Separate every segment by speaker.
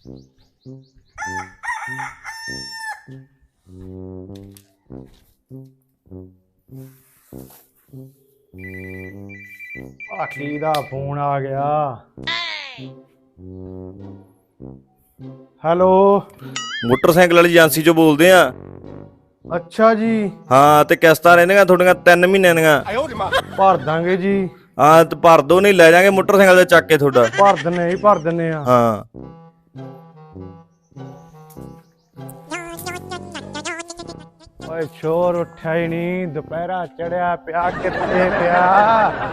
Speaker 1: ਆਖੀ ਦਾ ਫੋਨ ਆ ਗਿਆ। ਹੈਲੋ,
Speaker 2: ਮੋਟਰਸਾਈਕਲ ਵਾਲੀ ਏਜੰਸੀ ਚੋਂ ਬੋਲਦੇ ਆ।
Speaker 1: ਅੱਛਾ ਜੀ।
Speaker 2: ਹਾਂ, ਤੇ ਕਿਸ਼ਤਾਂ ਰਹਿੰਦੀਆਂ ਤੁਹਾਡੀਆਂ 3 ਮਹੀਨਿਆਂ ਦੀਆਂ।
Speaker 1: ਭਰ ਦਾਂਗੇ ਜੀ।
Speaker 2: ਹਾਂ ਤੇ ਭਰ ਦੋ, ਨਹੀਂ ਲੈ ਜਾਾਂਗੇ ਮੋਟਰਸਾਈਕਲ ਤੇ ਚੱਕ ਕੇ ਤੁਹਾਡਾ।
Speaker 1: ਭਰ ਦਿੰਨੇ ਆ।
Speaker 2: ਹਾਂ
Speaker 1: ਓਏ ਸ਼ੋਰ ਉੱਠਿਆ ਹੀ ਨਹੀਂ, ਦੁਪਹਿਰਾ ਚੜਿਆ ਪਿਆ, ਕਿੱਥੇ ਪਿਆ?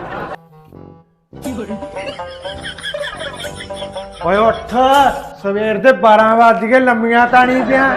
Speaker 1: ਓਏ ਉੱਠ, ਸਵੇਰ ਦੇ 12 ਵੱਜ ਗਏ, ਲੰਮੀਆਂ ਤਾਂ ਨਹੀਂ ਪਿਆ।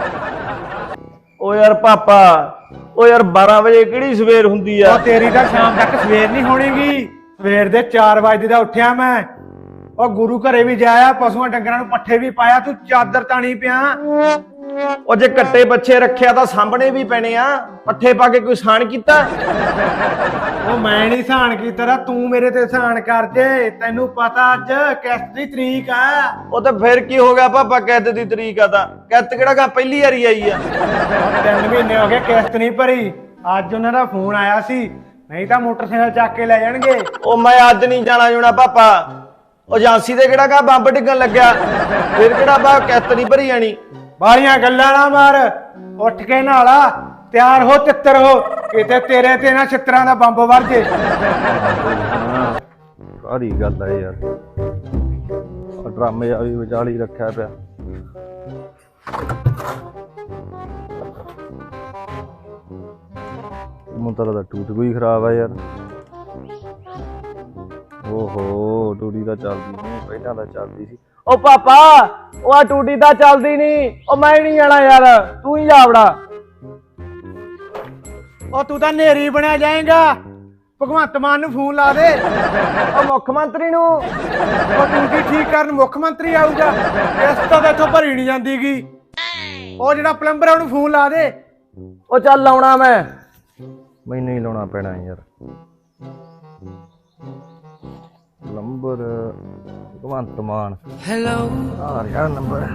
Speaker 2: ਓ ਯਾਰ ਪਾਪਾ, ਓ ਯਾਰ 12 ਵਜੇ ਕਿਹੜੀ ਸਵੇਰ ਹੁੰਦੀ ਆ?
Speaker 1: ਉਹ ਤੇਰੀ ਤਾਂ ਸ਼ਾਮ ਤੱਕ ਸਵੇਰ ਨਹੀਂ ਹੋਣੀਗੀ। ਸਵੇਰ ਦੇ 4 ਵਜੇ ਦਾ ਉੱਠਿਆ ਮੈਂ। ਉਹ ਗੁਰੂ ਘਰੇ ਵੀ ਜਾਇਆ, ਪਸ਼ੂਆਂ ਡੰਗਰਾਂ ਨੂੰ ਪੱਠੇ ਵੀ ਪਾਇਆ, ਤੂੰ ਚਾਦਰ ਤਾਣੀ ਪਿਆ।
Speaker 2: ਉਹ ਜੇ ਕੱਟੇ ਬੱਚੇ ਰੱਖਿਆ ਤਾਂ ਸਾਹਮਣੇ ਵੀ ਪੈਣੇ ਆ। ਪੱਠੇ ਪਾ ਕੇ ਕੋਈ ਸਾਨ ਕੀਤਾ?
Speaker 1: ਉਹ ਮੈਂ ਨਹੀਂ ਸਹਾਨ ਕੀਤਾ, ਤੂੰ ਮੇਰੇ ਤੇ ਸਹਾਨ ਕਰ ਜੇ। ਤੈਨੂੰ ਪਤਾ ਅੱਜ ਕਿਸ਼ਤ ਦੀ ਤਰੀਕ ਆ।
Speaker 2: ਉਹ ਤਾਂ ਫਿਰ ਕੀ ਹੋ ਗਿਆ ਪਾਪਾ, ਕਿਸ਼ਤ ਦੀ ਤਰੀਕ ਆ ਤਾਂ ਕਿਸ਼ਤ ਕਿਹੜਾ ਗਾ ਪਹਿਲੀ ਵਾਰੀ ਆਈ ਆ।
Speaker 1: 3 ਮਹੀਨੇ ਹੋ ਗਏ ਕਿਸ਼ਤ ਨਹੀਂ ਭਰੀ। ਅੱਜ ਉਹਨਾਂ ਦਾ ਫੋਨ ਆਇਆ ਸੀ, ਨਹੀਂ ਤਾਂ ਮੋਟਰਸਾਈਕਲ ਚੱਕ ਕੇ ਲੈ ਜਾਣਗੇ।
Speaker 2: ਉਹ ਮੈਂ ਅੱਜ ਨਹੀਂ ਜਾਣਾ ਜੁਣਾ ਪਾਪਾ। ਉਹ ਏਜੰਸੀ ਤੇ ਕਿਹੜਾ ਗਾ ਬੰਬ ਡਿੱਗਣ ਲੱਗਿਆ, ਫਿਰ ਕਿਹੜਾ ਬਾ ਕਿਸ਼ਤ ਨਹੀਂ ਭਰੀ ਜਾਣੀ।
Speaker 1: ਬਾਲੀਆਂ ਗੱਲਾਂ ਨਾ ਮਾਰ, ਉੱਠ ਕੇ ਨਹਾਲਾ, ਤਿਆਰ ਹੋ, ਤਿੱਤਰ ਹੋ, ਕਿਤੇ ਤੇਰੇ ਤੇ ਨਾ ਛਿੱਤਰਾਂ ਦਾ ਬੰਬ ਵਰ ਜੇ।
Speaker 2: ਸਾਰੀ ਗੱਲ ਆ ਯਾਰ, ਡਰਾਮੇ ਆ ਵੀ ਵਿਚਾਲੀ ਰੱਖਿਆ ਪਿਆ। ਮੁੰਤਰਾ ਦਾ ਟੂਟ ਕੋਈ ਖਰਾਬ ਆ ਯਾਰ। ਓਹੋ, ਟੂਟੀ ਤਾਂ ਚੱਲਦੀ ਨਹੀਂ, ਪਹਿਲਾਂ ਤਾਂ ਚੱਲਦੀ ਸੀ। ਓ ਪਾਪਾ, ਉਹ ਆ ਟੂਟੀ ਤਾਂ ਚੱਲਦੀ ਨਹੀਂ। ਉਹ ਮੈਂ ਨਹੀਂ ਜਾਣਾ ਯਾਰ, ਤੂੰ ਹੀ ਜਾ ਵੜਾ।
Speaker 1: ਉਹ ਤੂੰ ਤਾਂ ਨੇਰੀ ਬਣਿਆ ਜਾਏਗਾ। ਭਗਵੰਤ ਮਾਨ ਨੂੰ ਫੋਨ ਲਾ ਦੇ।
Speaker 2: ਉਹ ਮੁੱਖ ਮੰਤਰੀ ਨੂੰ।
Speaker 1: ਉਹ ਡਿਊਟੀ ਠੀਕ ਕਰਨ ਮੁੱਖ ਮੰਤਰੀ ਆਊਗਾ। ਕਿਸ਼ਤ ਤਾਂ ਇੱਥੋਂ ਭਰੀ ਨਹੀਂ ਜਾਂਦੀਗੀ। ਉਹ ਜਿਹੜਾ ਪਲੰਬਰ ਆ ਉਹਨੂੰ ਫੋਨ ਲਾ ਦੇ।
Speaker 2: ਉਹ ਚੱਲ ਲਾਉਣਾ ਮੈਂ। ਮੈਨੂੰ ਹੀ ਲਾਉਣਾ ਪੈਣਾ ਯਾਰ। ਨੰਬਰ ਭਗਵੰਤ ਮਾਨ। ਹੈਲੋ, ਆ ਰਿਹਾ ਨੰਬਰ।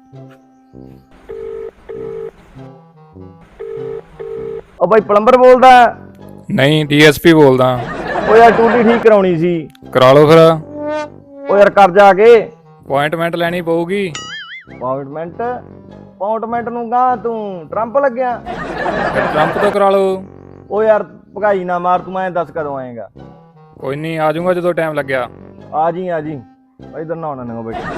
Speaker 2: ਉਹ ਬਾਈ ਪਲੰਬਰ ਬੋਲਦਾ?
Speaker 3: ਨਹੀਂ, ਡੀਐਸਪੀ ਬੋਲਦਾ।
Speaker 2: ਉਹ ਯਾਰ ਟੂਟੀ ਠੀਕ ਕਰਾਉਣੀ ਸੀ।
Speaker 3: ਕਰਾ ਲਓ ਫਿਰ।
Speaker 2: ਉਹ ਯਾਰ ਕਰ ਜਾ ਕੇ।
Speaker 3: ਅਪਾਇੰਟਮੈਂਟ ਲੈਣੀ ਪਊਗੀ।
Speaker 2: ਅਪਾਇੰਟਮੈਂਟ ਨੂੰ ਗਾ ਤੂੰ ਟਰੰਪ ਲੱਗਿਆ?
Speaker 3: ਟਰੰਪ ਤੋਂ ਕਰਾ ਲਓ।
Speaker 2: ਉਹ ਯਾਰ ਭਗਾਈ ਨਾ ਮਾਰ, ਤੂੰ ਐਂ ਦੱਸ ਕਦੋਂ ਆਏਗਾ?
Speaker 3: ਕੋਈ ਨਹੀਂ, ਆ ਜਾਊਗਾ ਜਦੋਂ ਟਾਈਮ ਲੱਗਿਆ।
Speaker 2: ਆ ਜੀ ਇਧਰ ਨਾ ਆਉਣਾ ਨਾ ਬੈਠ।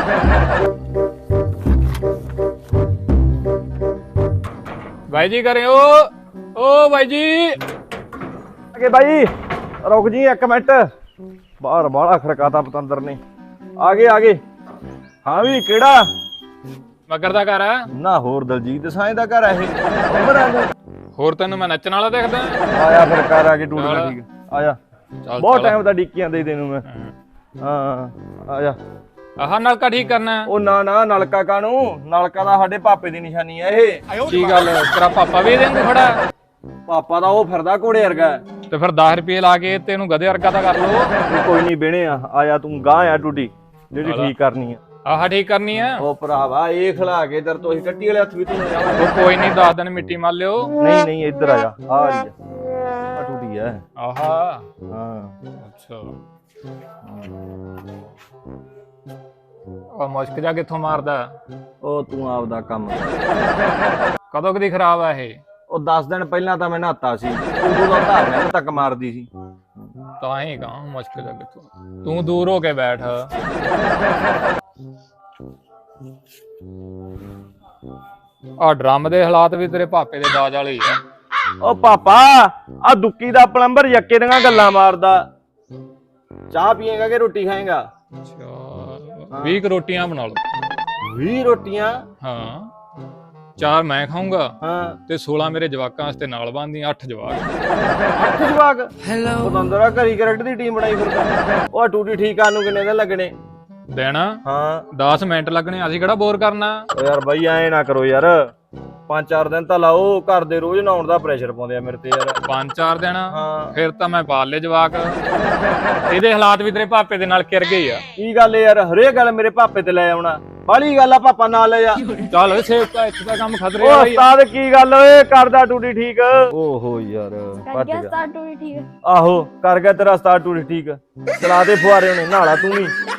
Speaker 3: ਬਾਈ ਜੀ ਕਰਿਓ। ਓ ਬਾਈ ਜੀ,
Speaker 2: ਅਗੇ ਬਾਈ ਰੁਕ ਜੀ 1 ਮਿੰਟ। ਬਾਹਰ ਬਾਹਲਾ ਖੜਕਾਤਾ ਪਤੰਦਰ ਨੇ। ਆ ਗਏ। ਹਾਂ ਵੀ ਕਿਹੜਾ?
Speaker 3: ਮਗਰ ਦਾ ਘਰ ਆ
Speaker 2: ਨਾ, ਹੋਰ ਦਲਜੀਤ ਸਾਈਂ ਦਾ ਘਰ ਆ ਇਹ।
Speaker 3: ਹੋਰ ਤੈਨੂੰ ਮੈਂ ਨੱਚਣ ਵਾਲਾ ਦੇਖਦਾ।
Speaker 2: ਆਇਆ ਫਿਰ ਘਰ ਆ ਕੇ ਟੂਟਣਾ ਠੀਕ ਆਇਆ।
Speaker 3: ਚੱਲ
Speaker 2: ਬਹੁਤ ਟਾਈਮ ਦਾ ਡਿੱਕੀਆਂ ਦੇ ਤੈਨੂੰ ਮੈਂ। ਹਾਂ ਆਜਾ।
Speaker 3: ਆਹ ਨਲਕਾ ਠੀਕ ਕਰਨਾ।
Speaker 2: ਉਹ ਨਾ ਨਲਕਾ ਕਾਹਨੂੰ, ਨਲਕਾ ਦਾ ਸਾਡੇ ਪਾਪੇ ਦੀ ਨਿਸ਼ਾਨੀ ਆ ਇਹ।
Speaker 3: ਕੀ ਗੱਲ, ਤੇਰਾ ਪਾਪਾ ਵੀ ਇਹਦੇ ਵਾਂਗੂ ਖੜਾ?
Speaker 2: ਪਾਪਾ ਦਾ ਉਹ ਫਿਰਦਾ ਘੋੜੇ ਵਰਗਾ।
Speaker 3: ਤੇ ਫਿਰ 10 ਰੁਪਏ ਲਾ ਕੇ ਤੈਨੂੰ ਗਧੇ ਵਰਗਾ ਤਾਂ ਕਰ ਲਓ।
Speaker 2: ਕੋਈ ਨਹੀਂ ਬਹਿਣੇ ਆਇਆ ਤੂੰ ਗਾਂ ਆ ਟੂਟੀ ਜਿਹੜੀ ਠੀਕ ਕਰਨੀ ਆ।
Speaker 3: ਆਹ ਠੀਕ ਕਰਨੀ ਆ।
Speaker 2: ਉਹ ਭਰਾਵਾ ਇਹ ਖਿਲਾ ਕੇ ਦਰ ਤੋਂ ਕੱਟੀ ਵਾਲੇ ਹੱਥ ਵੀ ਤੂੰ ਜਾਵਾਂਗੇ।
Speaker 3: ਕੋਈ ਨਹੀਂ, 10 ਦਿਨ ਮਿੱਟੀ ਮਲ ਲਿਓ।
Speaker 2: ਨਹੀਂ ਇੱਧਰ ਆ ਜਾ। ਆ ਰਹੀ ਆ ਟੂਟੀ ਆ।
Speaker 3: ਆਹਾ,
Speaker 2: ਹਾਂ
Speaker 3: ਅੱਛਾ। ਉਹ ਮੁਸ਼ਕ ਜਾ ਕਿੱਥੋਂ ਮਾਰਦਾ?
Speaker 2: ਉਹ ਤੂੰ ਆਪਦਾ ਕੰਮ
Speaker 3: ਕਦੋਂ ਕਦੀ ਖਰਾਬ ਆ ਇਹ?
Speaker 2: ਉਹ 10 ਦਿਨ ਪਹਿਲਾਂ ਤਾਂ ਮੈਂ ਨਹਾਤਾ ਸੀ, ਉਦੋਂ ਦਾ ਧਾਰ ਮੈਨੂੰ ਤੱਕ ਮਾਰਦੀ ਸੀ।
Speaker 3: ਤਾਂ ਹੀ ਕਹਾਂ ਮੁਸ਼ਕ ਜਾ ਕਿੱਥੋਂ। ਤੂੰ ਦੂਰ ਹੋ ਕੇ ਬੈਠ। ਆ ਡਰਮ ਦੇ ਹਾਲਾਤ ਵੀ ਤੇਰੇ ਪਾਪੇ ਦੇ ਦਾਜ ਵਾਲੇ ਹੀ ਆ।
Speaker 2: ਉਹ ਪਾਪਾ, ਆ ਦੁੱਕੀ ਦਾ ਪਲੰਬਰ ਯੱਕੇ ਦੀਆਂ ਗੱਲਾਂ ਮਾਰਦਾ। ਚਾਹ ਪੀਏਗਾ ਕਿ ਰੋਟੀ ਖਾਏਗਾ?
Speaker 3: ਅੱਛਾ, 20 ਰੋਟੀਆਂ ਬਣਾ ਲਓ।
Speaker 2: 20 ਰੋਟੀਆਂ?
Speaker 3: ਹਾਂ, 4 ਮੈਂ ਖਾਊਂਗਾ
Speaker 2: ਹਾਂ
Speaker 3: ਤੇ 16 ਮੇਰੇ ਜਵਾਕਾਂ ਵਾਸਤੇ ਨਾਲ ਬਣਦੀਆਂ। 8 ਜਵਾਕ।
Speaker 2: 8 ਜਵਾਕ? ਹੈਲੋ, ਪਤੰਦਰਾ ਘਰੀ ਕ੍ਰਿਕਟ ਦੀ ਟੀਮ ਬਣਾਈ ਫਿਰਦਾ। ਉਹ ਟੂਟੀ ਠੀਕ ਕਰਨ ਨੂੰ ਕਿੰਨੇ ਦਿਨ ਲੱਗਣੇ?
Speaker 3: ਦੇਣਾ
Speaker 2: ਹਾਂ
Speaker 3: 10 ਮਿੰਟ ਲੱਗਣੇ। ਅਸੀਂ ਕਿਹੜਾ ਬੋਰ ਕਰਨਾ।
Speaker 2: ਓ ਯਾਰ ਬਾਈ ਐ ਨਾ ਕਰੋ ਯਾਰ, 5-4 ਦਿਨ ਤਾਂ ਲਾਓ। ਘਰ ਦੇ ਰੋਜ਼ ਨਹਾਉਣ ਦਾ ਪ੍ਰੈਸ਼ਰ ਪਾਉਂਦੇ ਆ ਮੇਰੇ ਤੇ ਯਾਰ।
Speaker 3: 5-4 ਦਿਨ?
Speaker 2: ਹਾਂ
Speaker 3: ਫਿਰ ਤਾਂ ਮੈਂ ਪਾਲ ਲਏ ਜਵਾਕ। ਇਹਦੇ ਹਾਲਾਤ ਵੀ ਤੇਰੇ ਪਾਪੇ ਦੇ ਨਾਲ ਕਿਰ ਗਏ ਆ।
Speaker 2: ਕੀ ਗੱਲ ਯਾਰ, ਹਰੇਕ ਗੱਲ ਮੇਰੇ ਪਾਪੇ ਤੇ ਲੈ ਆਉਣਾ। ਬਾਲੀ ਗੱਲ ਆ ਪਾਪਾ ਨਾਲ ਲੈ ਜਾ।
Speaker 3: ਚੱਲ ਓਏ ਸੇਵਕਾ ਇੱਥੇ ਦਾ ਕੰਮ ਖਤਰੇ
Speaker 2: ਓ
Speaker 3: ਵਾਲਾ ਹੀ ਆ।
Speaker 2: ਉਸਤਾਦ ਕੀ ਗੱਲ ਓਏ ਕਰਦਾ ਟੂਟੀ ਠੀਕ ਓਹੋ ਯਾਰ
Speaker 4: ਕਰ
Speaker 2: ਭੱਜ
Speaker 4: ਗਿਆ
Speaker 2: ਗਿਆ
Speaker 4: ਸਟਾਰਟ ਹੋਈ ਠੀਕ ਹੈ।
Speaker 2: ਆਹੋ ਕਰ ਗਿਆ ਤੇਰਾ ਉਸਤਾਦ ਟੂਟੀ ਠੀਕ ਚਲਾ ਦੇ ਫੁਆਰੇ ਉਹਨੇ ਨਾਲਾ ਤੂੰ ਵੀ